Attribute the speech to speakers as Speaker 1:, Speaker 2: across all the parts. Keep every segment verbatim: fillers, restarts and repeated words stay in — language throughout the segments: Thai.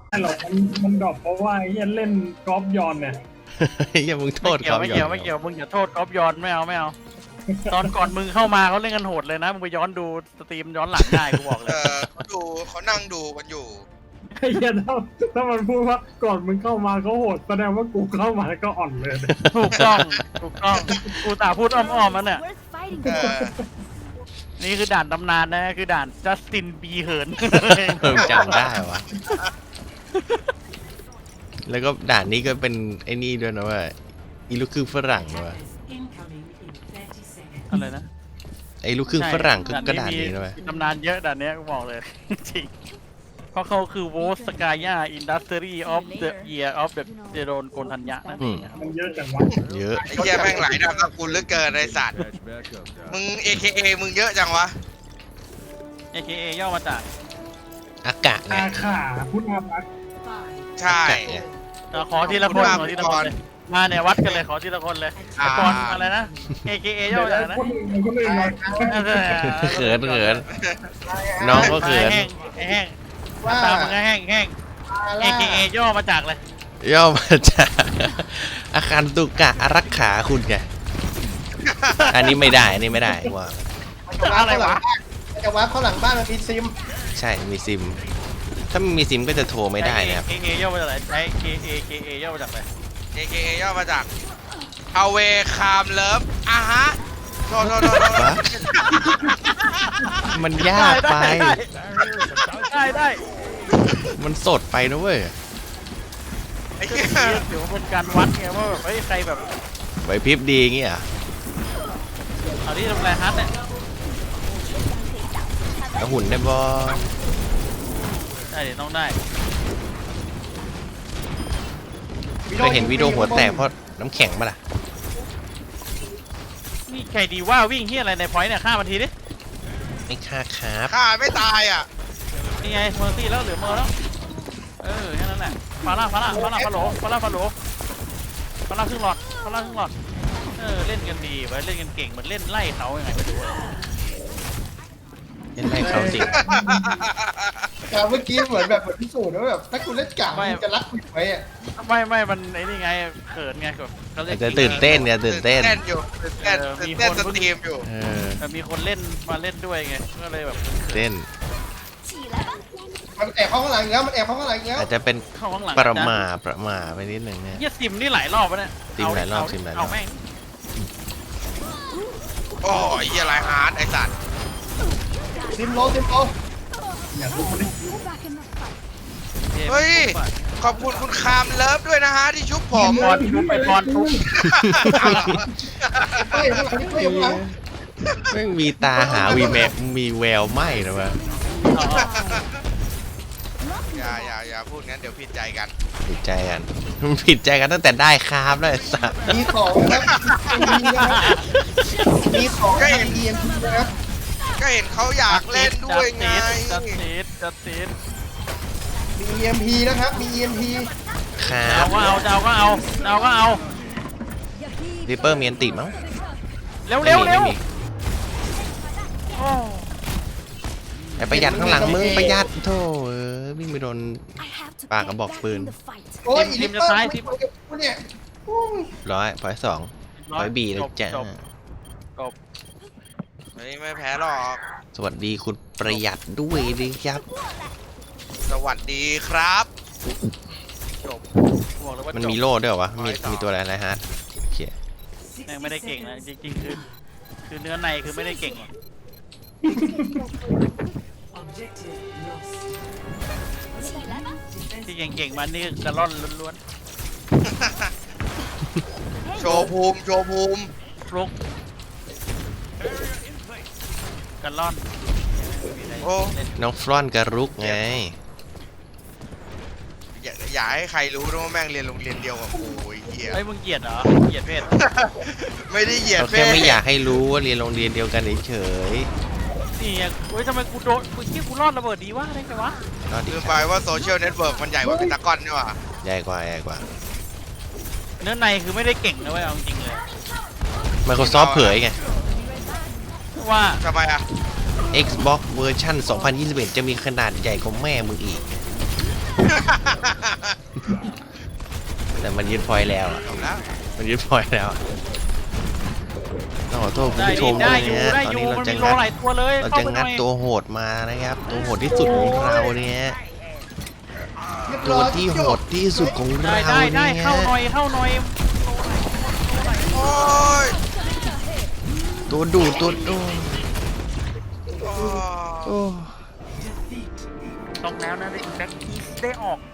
Speaker 1: ไม่หรอกมันมันดรอปเพราะว่าไอ้เหี้ยเล่นกอล์ฟยอนเนี่ย
Speaker 2: อย่ามึงโท
Speaker 3: ไม่
Speaker 2: ษ
Speaker 3: เกี่ยว
Speaker 2: เขา
Speaker 3: ไม่เกี่ยวไม่เกี่ยวมึงอย่าโทษก๊อฟย้อนไม่เอาไม่เอาตอนก่อนมึงเข้ามาเขาเล่นกันโหดเลยนะมึงไปย้อนดูสตรีมย้อนหลังได้กูบอกเล
Speaker 4: เอย อเขาดูเขานั่งดูกันอยู่
Speaker 1: ไอ้เหี้ยถ้าถ้ามันพูดว่าก่อนมึงเข้ามาเขาโหดแสดงว่ากูเข้ามาก็อ่อนเลย
Speaker 3: ถูกต้องถูกต้องกูตาพูดอ้อมๆมันเนี่ย
Speaker 5: Worth fighting
Speaker 4: เอ
Speaker 5: for.
Speaker 4: อ
Speaker 3: นี่คือด่านตำนานนะคือด่านจัสตินบีเหิน
Speaker 2: เออจำได้วะแล้วก็ด่านนี้ก็เป็นไอ้นี่ด้วยนะว่าอีลูกครึ่งฝรั่งนะว่า
Speaker 3: อะไรนะ
Speaker 2: ไอ้ลูกครึ่งฝรั่งก็
Speaker 3: ใช่
Speaker 2: ก็ด่านนี้นะเว้ย
Speaker 3: มีตำนานเยอะด่านเนี้ยกูบอกเลย จริงเพราะเขาคือโวสกายาอินดัสทรีออฟเดอะเยียร์ออฟเดอะเดโรนโกนทัญญะนั่นเองครับ
Speaker 1: มันเยอะจังวะ
Speaker 2: เยอะ
Speaker 4: ไอ้เหี้ยแม่งหลายดาวกับกูเหลือเกินไอ้สัตว์มึง เอ เค เอ มึงเยอะจังวะ
Speaker 3: เอ เค เอ ย่อมาจาก
Speaker 2: อากาศไง
Speaker 1: อาขาพุทธาพัก
Speaker 4: ใช่
Speaker 2: อากาศไง
Speaker 3: เอาขอทีละคนขอทีละคนเลยมาเนี่ยวัดกันเลยขอทีละคนเลย
Speaker 4: อ่า
Speaker 3: ก่อนอะไรนะ เอ เค เอ ย่อมาจากอะไรนะ
Speaker 1: คนอื่นคนอื่นหน่อย
Speaker 2: เขินเขินน้องก็เขิน
Speaker 3: แห้งไอ้แห้งตามมึงก็แห้งแห้ง เอ เค เอ ย่อมาจากเลย
Speaker 2: ย่อมาจากอาคารตุกะอารักขาคุณไงอันนี้ไม่ได้อันนี้ไม่ได้ว่า
Speaker 3: อะไรวะ
Speaker 6: มันจะวาร์ปเข้าหลังบ้านมันมีซิม
Speaker 2: ใช่มีซิม ถ้าไม่มีซิมก็จะโทรไม่ได้นะครับ
Speaker 3: เอ เค เอ ย่อมาจากอะไรไอ้ เค เอ เค เอ ย่อมาจากอะไร
Speaker 4: เอ เค เอ ย่อมาจาก Away Calm Love อ่ะฮะโทษโทษโทษโทษ
Speaker 2: วะ มันยากไป
Speaker 3: ได้ได้
Speaker 2: มันสดไปนะเว้ย
Speaker 4: ไอ้
Speaker 3: ก็
Speaker 4: เหี้ย
Speaker 3: เดี๋ยวเป็นการวัดไงว่าแบบเฮ้ยใครแบบ
Speaker 2: ไหวพริบดีอย่างเงี้ยเหรอ
Speaker 3: เอาที่ทำลายฮัทเนี่ย
Speaker 2: แล้วหุ่นได้บอ
Speaker 3: ได้เดี๋ยวต้องได้
Speaker 2: เคยเห็นวิดีโอหัวแตกเพราะน้ำแข็งปะล่ะ
Speaker 3: นี่ใครดีว่าวิ่งที่อะไรในพอยต์เนี่ยฆ่ามันทีดิ
Speaker 2: ไม่ค่าครับ
Speaker 4: ฆ่าไม่ตายอ่ะ
Speaker 3: นี่ไงเมอร์ซี่แล้วเหลือเมอร์แล้วเออแค่นั้นแหละฟาร่าฟาร่าฟาร่าฟาโหลฟาร่าฟาโหลฟาร่าครึ่งหลอดฟาร่าครึ่งหลอดเออเล่นกันดีไว้เล่นกันเก่งเหมือนเล่นไล่เขายังไงไม่รู้
Speaker 2: เล่นไรเขาจริง
Speaker 6: แต่เมื่อกี้เหมือนแบบเหมือนพิสูจน์ว่าแบบถ้าคุณเล่นกากคุณจะรักคุณไว้อะ
Speaker 3: ไม่ไม่มันไอ้นี่ไงเขินไงแบบเขาเล่น
Speaker 2: จะตื่นเต้นเนี่ยตื่นเต้น
Speaker 4: เต้นอยู่ตื่นเต้นตื่นเต้นสตรีมอยู่
Speaker 2: เออ
Speaker 3: แต่มีคนเล่นมาเล่นด้วยไงก็เลยแบบ
Speaker 2: เต้น
Speaker 5: 起来吧，
Speaker 6: มันแอบเข้าข้างหลังอีกแล้วมันแอบเข้าข้างหลังอีกแล้ว
Speaker 2: อาจจะเป็น
Speaker 3: เข้าข้างหลัง
Speaker 2: ประมาทประมาทไปนิดหนึ่งเนี่ย
Speaker 3: เฮียซิมนี่หลายรอบแล้วเนี่ย
Speaker 2: ซิมหลายรอบ
Speaker 3: เ
Speaker 2: ซิมหลายรอบ
Speaker 3: เอาแม่ง
Speaker 4: โอ้ยเหี้ยหลายฮาร์ดไอ้สัตว์
Speaker 6: ซิมโลซิมโล
Speaker 1: อยากรู้มัน
Speaker 5: go back in the fight.
Speaker 4: เฮ้ย ขอบคุณคุณคามเลิฟด้วยนะฮะที่ชุบผม
Speaker 3: บอลทุบไปบอลทุบ
Speaker 6: เฮ้ยข้างหลังนี่เฮ้ยข้างหลัง
Speaker 2: แม่งมีตาหาวีแมมีแววไหมนะวะ
Speaker 4: อย่าอย่าอย่าพูดงั้นเดี๋ยวผิดใจกัน
Speaker 2: ผิดใจกันมันผิดใจกันตั้งแต่ได้ครับแล้วไอ้สัส
Speaker 6: มีของครับมีนะครับมีของทาง อี เอ็ม พี นะครับ
Speaker 4: ก็เห็นเขาอยากเล่นด้วยไง
Speaker 3: จัดติดจัดติด
Speaker 6: มี อี เอ็ม พี นะครับ มี อี เอ็ม พี
Speaker 2: ครั
Speaker 3: เอา
Speaker 2: บ
Speaker 3: ก็เอาจะเอาก็เอาจะเอาก็เอา
Speaker 2: ริปเปอร์มีอันติมั้ง
Speaker 3: เร็วเร็ว
Speaker 2: ไม่
Speaker 3: เร็ว
Speaker 2: มี
Speaker 3: โอ้
Speaker 2: ไอ้ประหยัดข้างหลังมึงประหยัดโธ่เออวิ่งไปโดน
Speaker 5: I have to
Speaker 2: Bạc
Speaker 5: get
Speaker 2: ở bọc
Speaker 5: back
Speaker 2: phường.
Speaker 5: in the fight.
Speaker 6: โอ้ยอีลิปเปอร์ไม่คุยกับกูเนี่ยโอ้ย
Speaker 2: ร้อยพอยสองพอยบีเลยจ้ะ
Speaker 3: จบจบ
Speaker 4: เฮ้ยไม่แพ้หรอก
Speaker 2: สวัสดีคุณประหยัดด้วยดิครับ
Speaker 4: สวัสดีครับ
Speaker 3: จบบอกเลยว่า
Speaker 2: มัน
Speaker 3: จบ
Speaker 2: มีโล่ด้วยเหรอวะมี
Speaker 4: ร้อยสอง
Speaker 2: มีตัวอะไรอะไรฮะโอเค
Speaker 3: แม่งไม่ได้เก่งนะจริงๆคือคือเนื้อในคือไม่ได้เก่งหรอกที่เก่งๆมันนี่คือกระล่อนล้วน
Speaker 4: โชว์ภูมิโชว์ภูมิ
Speaker 3: ๆฟลุกกระล่อน
Speaker 4: โอ้
Speaker 2: น้องฟรอนกับรุกไง
Speaker 4: อย่าอย่าให้ใครรู้นะว่าแม่งเรียนโรงเรียนเดียวกับกูไอ้เหี้ย
Speaker 3: ไอ้ยมึงเกลียดเหรอเกลียดเพศ
Speaker 4: ไม่ได้เหยียด
Speaker 2: เรา
Speaker 4: เพ
Speaker 2: แค่
Speaker 4: ศ
Speaker 2: ไม่อยากให้รู้ว่าเรียนโรงเรียนเดียวกันเฉย
Speaker 3: นี่ไงเฮ้ยทำไมกูโดนกูคิดกูรอดระเบิดดีวะได้ไงวะ
Speaker 2: ๆก็ดี
Speaker 4: ลืมไปว่าโซเชียลเน็ตเวิร์กมันใหญ่กว่าเพนตากอนนี่หว่า
Speaker 2: ใหญ่กว่าใหญ่กว่า
Speaker 3: เนื้อในคือไม่ได้เก่งนะเว้ยเอาจริงๆเลย
Speaker 2: Microsoft เผยไง
Speaker 3: ว่า
Speaker 4: ทำไมอ่ะ
Speaker 2: Xbox เวอร์ชันสองพันยี่สิบเอ็ดจะมีขนาดใหญ่กว่าแม่มึงอีกแต่มันยึดพอยต์แล้วอะ
Speaker 4: จบแล้ว
Speaker 2: มันยึดพอยต์แล้วอะต้องขอโทษคุณ
Speaker 3: ได้
Speaker 2: ผู้ช
Speaker 3: ดิ
Speaker 2: ม
Speaker 3: ได้
Speaker 2: ด้วย
Speaker 3: อยู่
Speaker 2: นะ
Speaker 3: ได้
Speaker 2: ตอน
Speaker 3: อยู่
Speaker 2: นี้เรา
Speaker 3: มัน
Speaker 2: จะ
Speaker 3: มีโล
Speaker 2: งัด
Speaker 3: หลายตัวเลย
Speaker 2: เรา
Speaker 3: เข้า
Speaker 2: จะ
Speaker 3: ไปห
Speaker 2: งั
Speaker 3: น่
Speaker 2: ด
Speaker 3: อย
Speaker 2: ตัวโหดมานะครับ ตัวโหดที่สุดของเราเนี่ย
Speaker 6: เรียบ
Speaker 2: ตั
Speaker 6: ร้
Speaker 2: ว
Speaker 6: อย
Speaker 2: ที่โหดที่สุดของ
Speaker 3: ได้
Speaker 2: เรา
Speaker 3: ได้ได้
Speaker 2: เนี่ย
Speaker 3: เข้าหน่อยเข้าหน่อย
Speaker 4: โอ้ย
Speaker 2: ตัวดูดตัวดูด
Speaker 4: โอ้
Speaker 2: โอ้
Speaker 3: ต้องแล้วนะได้แบ็คทีสได้ออกไป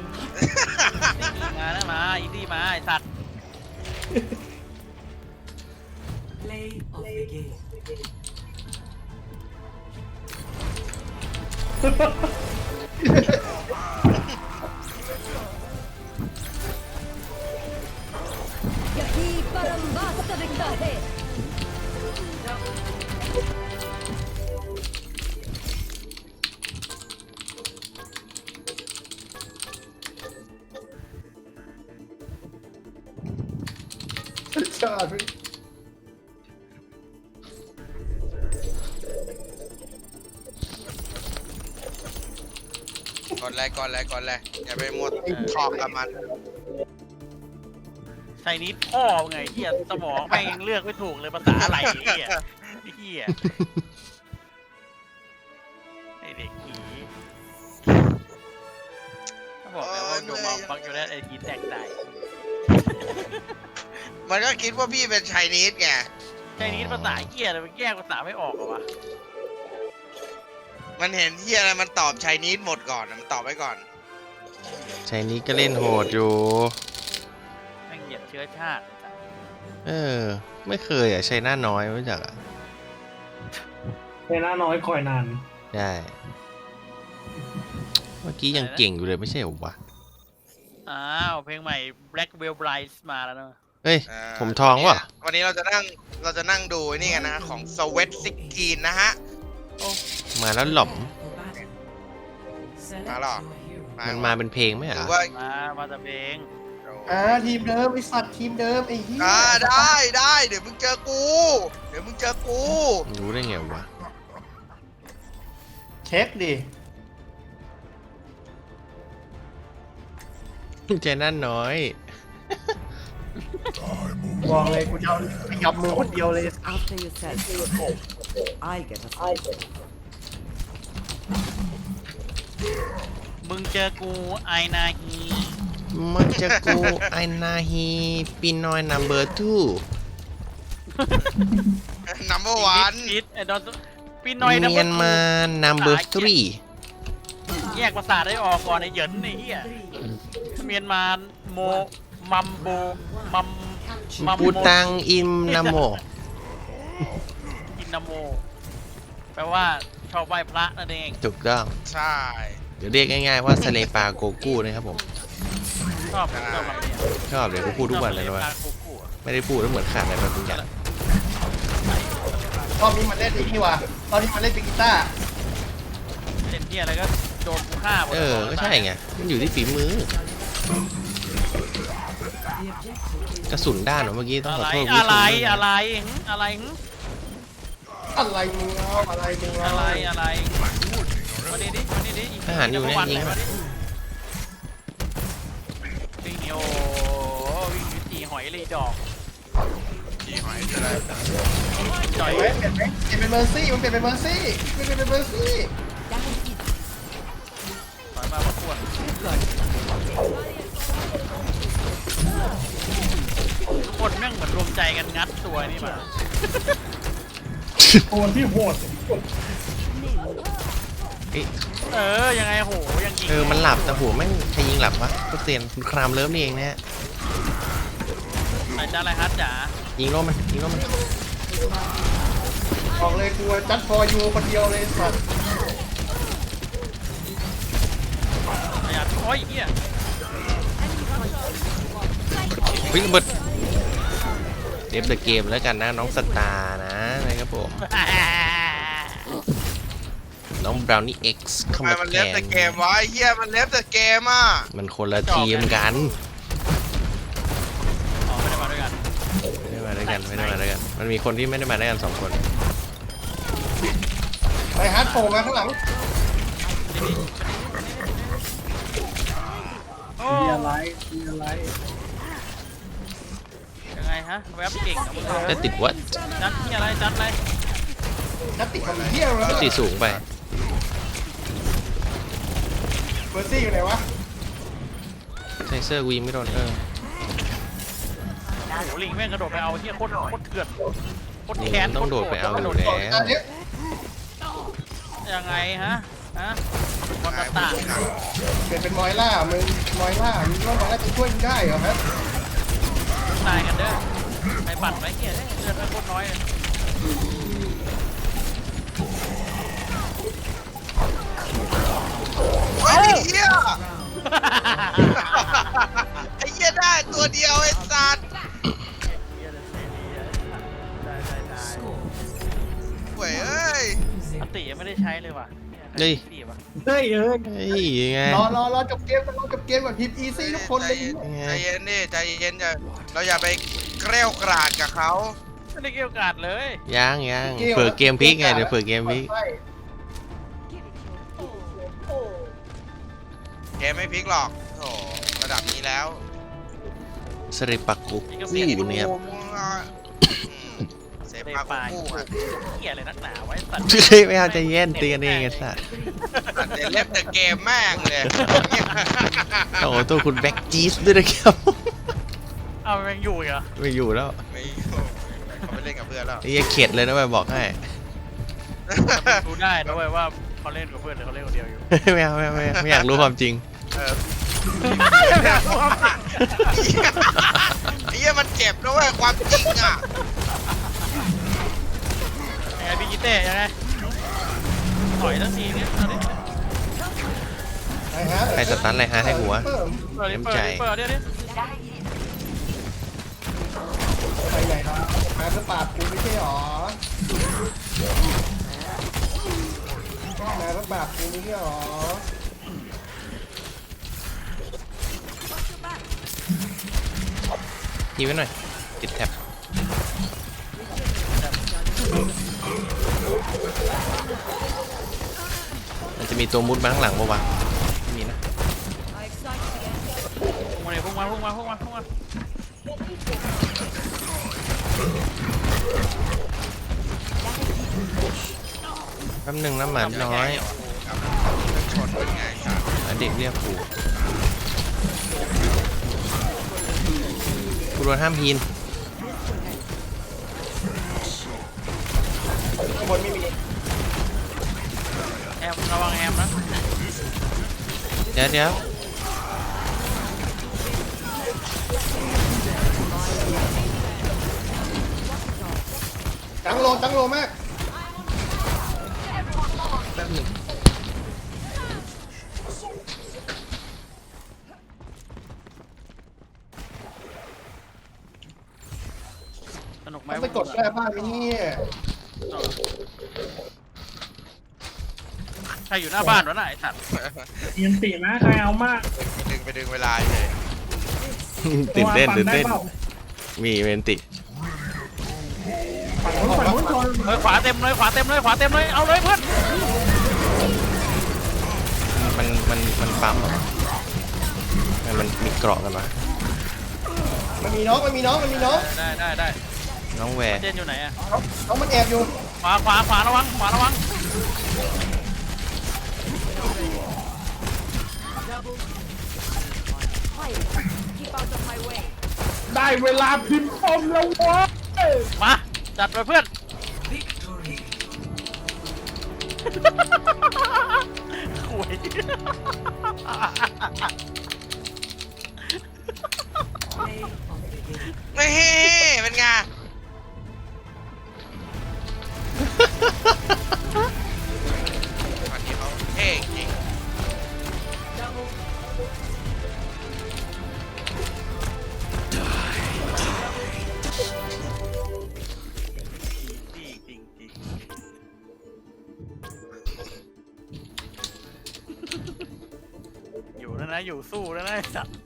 Speaker 3: มาแล้วมาอีดี้มาไอสัตว์
Speaker 5: यही परम वास्तविकता है
Speaker 6: ชาติ
Speaker 4: ก่อนเลยก่อนเลยก่อนเลยอย่าไปมัวทอกกับมัน
Speaker 3: ไชนีสพ่อไงเฮียสมองแม่งยังเลือกไม่ถูกเลยภาษาอะไรไอ้เฮียไอ้เฮียไอเด็กผีถ้าบอกแล้วว่าโดนมาฟังอยู่แล้วไอทีแตกตาย
Speaker 4: มันก็คิดว่าพี่เป็นไชนีสไง
Speaker 3: ไชนีสภาษาเฮียเลยมันแยกภาษาไม่ออกเหรอวะ
Speaker 4: มันเห็นที่อะไรมันตอบไชนีสหมดก่อนมันตอบไว้ก่อน
Speaker 2: ใช่นี้ก็เล่นโหดอยู่
Speaker 3: แม่งเหยียดเชื้อชาติ
Speaker 2: เออ ไม่เคยอ่ะใช้หน้าน้อยไม่รู้จักอ่ะ
Speaker 1: เวลาน้อยคอยนาน
Speaker 2: ใช่เมื่อกี้ยังเก่งอยู่เลยไม่ใช่เหรอวะ
Speaker 3: อ้าวเพลงใหม่ Black Veil Brides มาแล้วนะ
Speaker 2: เฮ้ย
Speaker 4: อ่า
Speaker 2: ผมทองวะ
Speaker 4: วันนี้เราจะนั่งเราจะนั่งดูไอ้นี่กันนะของ Sweat สิบหกนะฮะ
Speaker 2: มาแล้วหล่อม
Speaker 4: มาหรอ
Speaker 2: มันมาเป็นเพลงไหม
Speaker 4: ห
Speaker 2: อ่ะ
Speaker 4: รือว่า
Speaker 3: มามาแต่เพลง
Speaker 6: อ่าทีมเดิมไอสัตว์ทีมเดิมไอ้เหี้ย
Speaker 4: อ่าได้ได้เดี๋ยวมึงเจอกู เดี๋ยวมึงเจอกู
Speaker 2: รู้ได้ไงวะ
Speaker 6: เช็คดิ
Speaker 2: ใจหน้าน้อย
Speaker 6: บอกเลยกูจะเอาขยับมือคนเดียวเลย
Speaker 7: After yourself. I'll get a fight.
Speaker 3: มึงเจอกูไอนาฮี
Speaker 2: มันจะกูไอนาฮีปีนอยนัมเบอร์ทู
Speaker 4: นัมเบอร์วัน
Speaker 3: คิดไอ้ดอนปีนอยนะ
Speaker 2: เมียนมานัมเบอร์ทรี
Speaker 3: แยกภาษาได้ออกก่อนไอ้เหยินไอ้เหี้ยเมียนมาโมมัมโบมัมมัม
Speaker 2: ปูตังอิมนาโม
Speaker 3: อินนาโมแปลว่าชอบไหว้พระนั่นเอง
Speaker 2: ถูกต้อง
Speaker 4: ใช่
Speaker 2: เดี๋ยวเรียกง่ายๆว่าสเลปาโกกูนะครับผม
Speaker 3: ชอบชอบคำนี้
Speaker 2: ชอบเดี๋ยวกูพูดทุกวันเลยนะว่า
Speaker 3: ชอบกูกูอะ
Speaker 2: ไม่ได้พูดแล้วเหมือนขาดอะไรบางอย่าง
Speaker 6: รอบนี้มันเล่นไอ้นี่ว่ะรอบนี้มันเล่นเป็นกีตาร์
Speaker 3: เล่นเหี้ยอะไรก็โดนกูฆ่าหมด
Speaker 2: เออ ก็ใช่ไง มันอยู่ที่ฝีมือ กระสุนด้านเหรอเมื่อกี้ต้อง
Speaker 3: อะ
Speaker 2: ขอ
Speaker 3: ไร
Speaker 2: โทษคุณผู้ชม
Speaker 3: อะไร
Speaker 2: ด้วยนะ
Speaker 3: อะไรหึอะไรหึ
Speaker 6: อะไรมึงเอาอะไรมึงเอา
Speaker 3: อะไรอะไรมาดิดิมาดิดิ
Speaker 2: ทหารอยู่เนี่ย
Speaker 3: วัน
Speaker 2: ยิง
Speaker 3: ไหน
Speaker 2: มา
Speaker 3: มาดิวิ่งโยวิ่งอยู่จีหอยเลยดอก
Speaker 4: จีหอยอะไร
Speaker 3: จ่อย
Speaker 6: เปลี่ยนไหมเปลี่ยนไหมเปลี่ยนเป็นเมอร์ซี่มันเปลี่ยนเป็นเมอร์ซี่มันเปลี่ยนเป็นเมอร์ซี่
Speaker 3: ถอยมาประกวดทุกคนแม่งเหมือนรวมใจกันงัดตัวนี่มา
Speaker 1: โคนที่โหด
Speaker 2: เอ้ย
Speaker 3: เออยังไงโหยังยิง
Speaker 2: เออ มันหลับแต่หัวแม่งใครยิงหลับวะก็เตียนคุณครามเลิฟนี่เองนะฮะ
Speaker 3: ไหนจ้าอะไรฮัทจ๋า
Speaker 2: ยิงโล่มัน ยิงโล่มัน
Speaker 6: บอกเลยกูจัดฟอร์ยูคนเดียวเลยสัตว์
Speaker 3: ไอ้ยัดโอ้ยเฮีย
Speaker 2: เฮ้ยระเบิดเดฟเดอะเกมแล้วกันนะน้องสตาร์นะนะครับผม น้องบราวนี่เอ็กซ์เข้า
Speaker 4: ทำไม
Speaker 2: มา
Speaker 4: มัน
Speaker 2: แท
Speaker 4: เล็บแต่
Speaker 2: น
Speaker 4: เกมวะไอ้เหี้ยมันเล็บแต่เกมอ่ะ
Speaker 2: มันคนละทีมกัน
Speaker 3: อ๋อไม่ได้มาด้วยกัน
Speaker 2: ไม่ได้มาด้วยกันไม่ได้มาด้วยกัน มันมีคนที่ไม่ได้มาด้วยกันสองคน
Speaker 6: ไปฮาร์ดโผล่มาข้างหลัง
Speaker 3: โอ้
Speaker 1: มีอะไรมีอะไร
Speaker 3: ยังไงฮะแวบเก่งกับมึงเลย
Speaker 2: จะติดวัด
Speaker 3: จัดที่อะไรจัดอะไร
Speaker 6: นัดติดคนเที่ยวแล้ว
Speaker 2: ติดสูงไป
Speaker 6: เบอร์ซี่อยู่ไหนวะ
Speaker 2: ไทเซอร์วีไม่โดนเออ
Speaker 3: โอ้โหลิงแม่งกระโดดไปเอาเฮียโคตรโคตรเถื่อนโคตร
Speaker 2: นี่
Speaker 3: แค้น
Speaker 2: มันต้องโดดไปเอาอยู่แล้ว
Speaker 6: อันนี้
Speaker 3: ยังไงฮะฮะวากาตะ
Speaker 6: เปลี่ยนเป็นมอยล่ามึงมอยล่ามึงว่ามอยล่าจะช่วยมึงได้เหรอครับ
Speaker 3: ตายกันเด้อไปปั่นไว้เฮียเนี่ยเลือดไม่โคตรน้อยเลย
Speaker 4: ไอ้เหี้ยไอ้เหี้ยได้ตัวเดียวไอ้สัตว์
Speaker 3: เฮียเลยเสียดีอะได้ได้ได้
Speaker 4: เว้ยเอ้ย
Speaker 3: อติยังไม่ได้ใช้เลยว่ะ
Speaker 2: เฮ้ย
Speaker 3: พี่ว่ะ
Speaker 1: เฮ้ยเอ้ย
Speaker 2: เฮ้ยยังไง
Speaker 6: รอรอรอจบเกมกันรอจบเกมก่อนพิมพ์อีซี่ทุกคนเลย
Speaker 4: ใจเย็นดิใจเย็นอย่าเราอย่าไปเกลี้ยวกราดกับเขา
Speaker 3: ไม่ได้เกี่ยวกาดเลย
Speaker 2: ยังยังเปิดเกมพลิกไงเดี๋ยวเปิดเกมพลิก
Speaker 4: เกมไม่พลิกหรอกโถระดับนี้แล้ว
Speaker 2: สริปักกุกอู้เนี่ยครับ
Speaker 4: เซฟ
Speaker 3: เตะ
Speaker 4: พา
Speaker 3: ปลาย
Speaker 4: คู่อ่ะ
Speaker 3: เหี้ยอะไรนักหนาไว้สัตว์
Speaker 2: เฮ้ยไม่เอาใจเย็นตีกันเองไอ้สัส
Speaker 4: ตัดเดเล็บแต่เกมแม่งเลย
Speaker 2: โอ้โหตัวคุณแบ็กจีสด้วยนะครับ
Speaker 3: เอาแม่งอยู่อีกเหรอ
Speaker 2: ไม่อยู่แล้ว
Speaker 4: ไม่เขาไปเล่นกับเพื่อนแล้ว
Speaker 2: ไอ้เหี้ยเข็ดเลยนะไปบอกให้
Speaker 3: ดูได้นะเว้ยว่าเขาเล่นกับเพื่อนหรือเขาเล่นคนเดียวอยู่
Speaker 2: ไม่เอาไม่เอาไม่เอาไม่อยากรู้ความจริง
Speaker 4: เออไอ้เหี้ยมันเจ็บนะเว้ยความจริงอ่ะ
Speaker 3: ยังไงพี่กิเต้ยังไงถอยทั้งทีเนี่ยเอาดิ
Speaker 2: ใครสตันอะไรฮะให้หัว
Speaker 3: เปิดดิเปิดดิเปิดเดี๋ยวดิ
Speaker 6: ไปไหนครับมาสปาดกูไม่ใช่หรอมาสปาดกูไม่ใช่หรอ
Speaker 2: ทีไว้หน่อยติดแท็บมันจะมีตัวมุดมาข้างหลังปะวะไม่มีนะ
Speaker 3: พุ่งมาเลยพุ่งมาพุ่งมาพุ่งมาพุ่งมา
Speaker 2: แป๊บหนึงนะหมาน้อย
Speaker 4: ชนเป็นไงสัตว์
Speaker 2: อ่ะเด็กเรียกกูกูโดนห้ามพีน
Speaker 6: ข้างบนไม่มี
Speaker 3: แอมระวังแอมนะ
Speaker 2: เดี๋ยวเดี๋ยว
Speaker 6: ตั้งโลตั้งโลมาก
Speaker 2: แป๊บหนึง
Speaker 3: สนุกไหม
Speaker 6: มันไปกดแก้บ้านไหมเนี่ย
Speaker 3: ใครอยู่หน้าบ้านวะน่ะไอ้สัตว์
Speaker 1: เอียนตีนะใครเอามาก
Speaker 4: ดึงไปดึงเวลาเลย
Speaker 2: ตื่นเต้น
Speaker 1: ปั่
Speaker 2: ตื่น
Speaker 1: ได้
Speaker 2: เต้น
Speaker 1: ปล่า
Speaker 2: มีเวนติ
Speaker 1: ฝั่งนู้นฝั่งนู้นชน
Speaker 3: เฮ้ยขวาเต็มเลยขวาเต็มเลยขวาเต็มเลยเอาเลยเพื่อน
Speaker 2: มันมันมันปั๊มเหรอมันมันมีเกราะกันมา
Speaker 6: มันมีน้องมันมีน้องมันมีน้อง
Speaker 3: ได้ได้ได้
Speaker 2: น้องแวร์
Speaker 3: เจนอยู่ไหนอะ
Speaker 6: น้องมันแอบอยู่
Speaker 3: ขวาขวาขวาระวังขวาระวัง
Speaker 1: ได้เวลาพิมพ์คมแล้ววะ
Speaker 3: มาจัดไปเพื่อนคุย
Speaker 4: นี่เป็นไงวันนี้เขาเท่จริง
Speaker 3: จริงจริงอยู่แล้วนะอยู่สู้แล้วนะไอ้สัตว์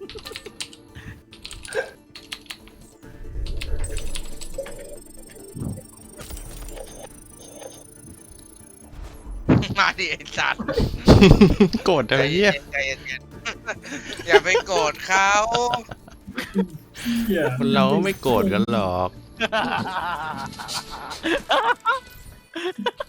Speaker 4: มาดิไอ้สัตว์
Speaker 2: โกรธอะไรเงี้ย
Speaker 4: ใจเย็นใจเย็นอย่าไปโกรธเขา
Speaker 1: เหี้ย
Speaker 2: คนเราไม่โกรธกันหรอก